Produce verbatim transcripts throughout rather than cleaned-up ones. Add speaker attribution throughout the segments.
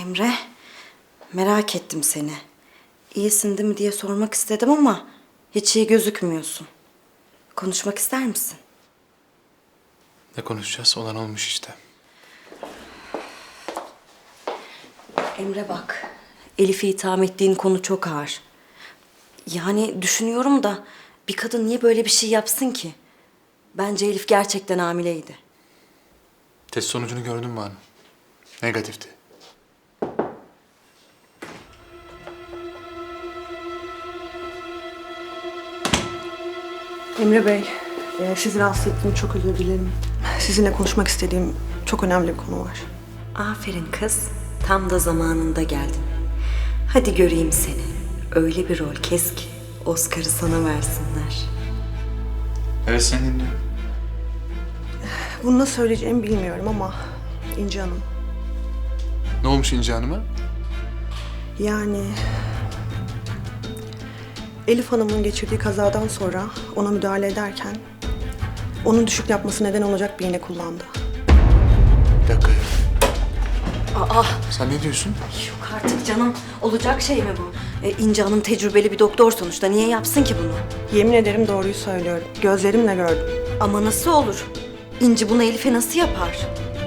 Speaker 1: Emre, merak ettim seni. İyisin değil mi diye sormak istedim ama hiç iyi gözükmüyorsun. Konuşmak ister misin?
Speaker 2: Ne konuşacağız? Olan olmuş işte.
Speaker 1: Emre bak, Elif'i itham ettiğin konu çok ağır. Yani düşünüyorum da bir kadın niye böyle bir şey yapsın ki? Bence Elif gerçekten hamileydi.
Speaker 2: Test sonucunu gördün mü hanım? Negatifti.
Speaker 3: Emre Bey, e, sizi rahatsız ettiğim çok özür dilerim. Sizinle konuşmak istediğim çok önemli bir konu var.
Speaker 1: Aferin kız, tam da zamanında geldin. Hadi göreyim seni. Öyle bir rol kes ki Oscar'ı sana versinler.
Speaker 2: Evet, seni dinliyorum.
Speaker 3: Bunu nasıl söyleyeceğimi bilmiyorum ama İnci Hanım.
Speaker 2: Ne olmuş İnci Hanım'a?
Speaker 3: Yani Elif Hanım'ın geçirdiği kazadan sonra ona müdahale ederken onun düşük yapması neden olacak bir iğne kullandı.
Speaker 2: Bir dakika ya.
Speaker 1: Aa,
Speaker 2: Sen ne diyorsun?
Speaker 1: yok artık canım. Olacak şey mi bu? E, İnci Hanım tecrübeli bir doktor sonuçta. Niye yapsın ki bunu?
Speaker 3: Yemin ederim doğruyu söylüyorum. Gözlerimle gördüm.
Speaker 1: Ama nasıl olur? İnci bunu Elif'e nasıl yapar?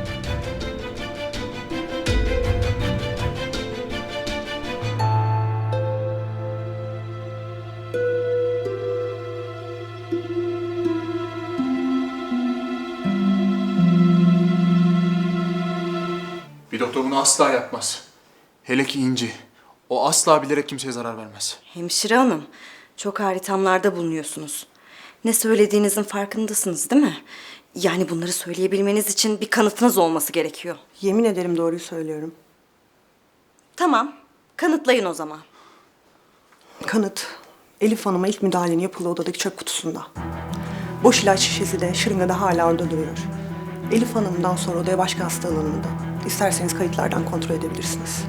Speaker 2: Bir doktor bunu asla yapmaz. Hele ki İnci. O asla bilerek kimseye zarar vermez.
Speaker 1: Hemşire hanım, çok ağır ithamlarda bulunuyorsunuz. Ne söylediğinizin farkındasınız değil mi? Yani bunları söyleyebilmeniz için bir kanıtınız olması gerekiyor.
Speaker 3: Yemin ederim doğruyu söylüyorum.
Speaker 1: Tamam, kanıtlayın o zaman.
Speaker 3: Kanıt, Elif Hanım'a ilk müdahalenin yapıldığı odadaki çöp kutusunda. Boş ilaç şişesi de şırınga da hala orada duruyor. Elif Hanım'dan sonra odaya başka hasta alanında. İsterseniz kayıtlardan kontrol edebilirsiniz.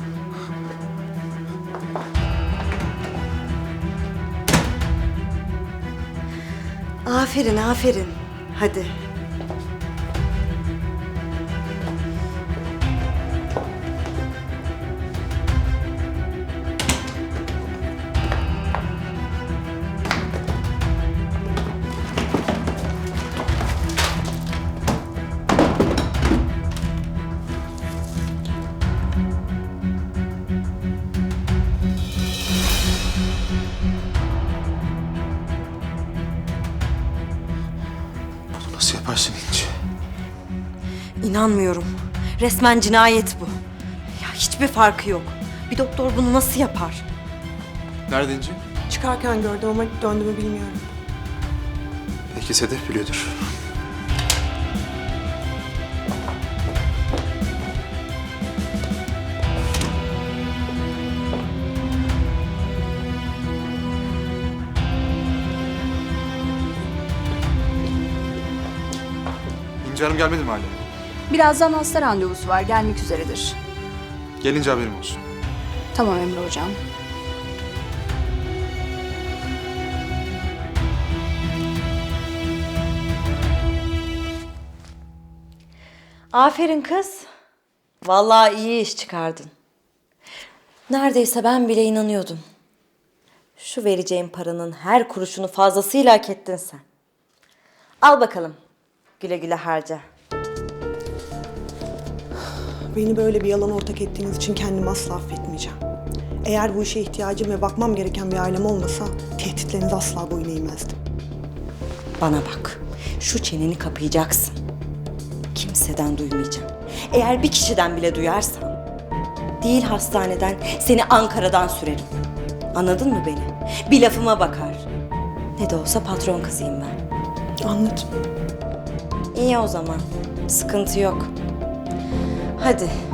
Speaker 1: Aferin, aferin. Hadi.
Speaker 2: Nasıl yaparsın İnci?
Speaker 1: İnanmıyorum. Resmen cinayet bu. Ya hiçbir farkı yok. Bir doktor bunu nasıl yapar?
Speaker 2: Nerede İnci?
Speaker 3: Çıkarken gördüm ama döndü mü bilmiyorum.
Speaker 2: Belki Sedef biliyordur. İnci Hanım gelmedi mi hala?
Speaker 4: Birazdan hasta randevusu var, gelmek üzeredir.
Speaker 2: Gelince haberim olsun.
Speaker 4: Tamam Emre Hocam.
Speaker 1: Aferin kız. Vallahi iyi iş çıkardın. Neredeyse ben bile inanıyordum. Şu vereceğim paranın her kuruşunu fazlasıyla hak ettin sen. Al bakalım. Güle güle harca.
Speaker 3: Beni böyle bir yalana ortak ettiğiniz için kendimi asla affetmeyeceğim. Eğer bu işe ihtiyacım ve bakmam gereken bir ailem olmasa tehditleriniz asla boyun eğmezdim.
Speaker 1: Bana bak. Şu çeneni kapayacaksın. Kimseden duymayacağım. Eğer bir kişiden bile duyarsam, değil hastaneden, seni Ankara'dan sürerim. Anladın mı beni? Bir lafıma bakar. Ne de olsa patron kızıyım ben.
Speaker 3: Anladım.
Speaker 1: İyi o zaman. Sıkıntı yok. Hadi